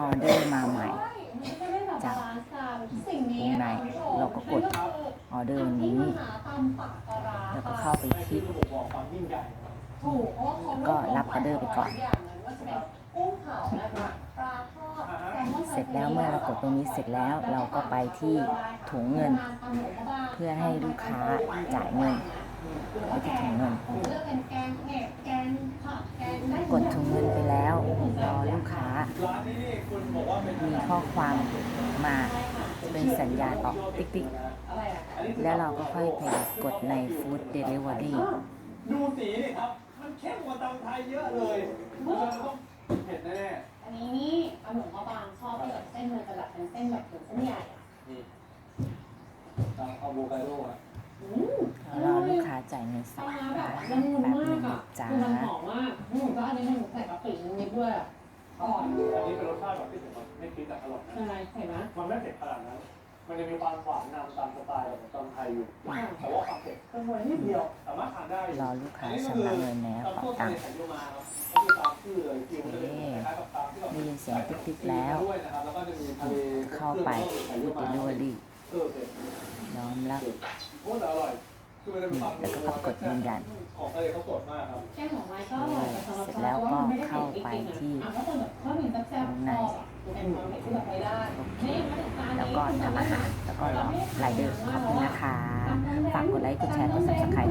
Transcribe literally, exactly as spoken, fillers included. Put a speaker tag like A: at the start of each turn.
A: ออเดอร์มาใหม่จากวงในเราก็กดออเดอร์นี้แล้วก็เข้าไปคลิกก็รับออเดอร์ไปก่อนเสร็จแล้วเมื่อเรากดตรงนี้เสร็จแล้วเราก็ไปที่ถุงเงินเพื่อให้ลูกค้าจ่ายเงินไปที่ถุงเงินกดถุงเงินไปแล้วรอลูกค้ามีข้อความมาเป็นสัญญาณออกติ๊กๆแล้วเราก็ค่อยไปกดใน Food Delivery
B: ดูสีนี่ครับมันเข้มกว่าตำไทยเยอะเลยมันต้องเผ็ดแน่ๆอันนี้นี่ปลาหมึกเขาบางชอบที่แบบเส้นมันจะแบบเป็นเส้นแบบเหมือนเส้นใหญ่อ่ะนี่ตามอะโวคาโดอ่ะ
A: รอลูกค้าจ่ายเงินสักแบบนึงจ้า
B: มันหอมมากอืมก็อันนี้มันใส่กะปินิดด้วยอ่ะอร่อยอันนี้เป็นรสชาติแบบที่ผมไม่คิดแต่อร่อยใช่เห็นไหมมันไม่เผ็ดขนาดนั้นมันจะมีความหวานนำตามสไตล์ของตำไทยอยู่แต่ว่าความเผ็ดเป็นวันนิดเดียวสามารถทานได้
A: รอลูกค้าชำระเงินแล้วเป๋าตังค์ได้ยินเสียงติ๊กๆแล้วเข้าไป Food Delivery น้อมรับแล้วก็กดยืนยันเสร็จแล้วก็เข้าไปที่ข้างในแล้วก็ทำอาหารแล้วก็รอรายเดอร์ขอบคุณนะคะฝากกดไลค์กดแชร์กด ซับสไครบ์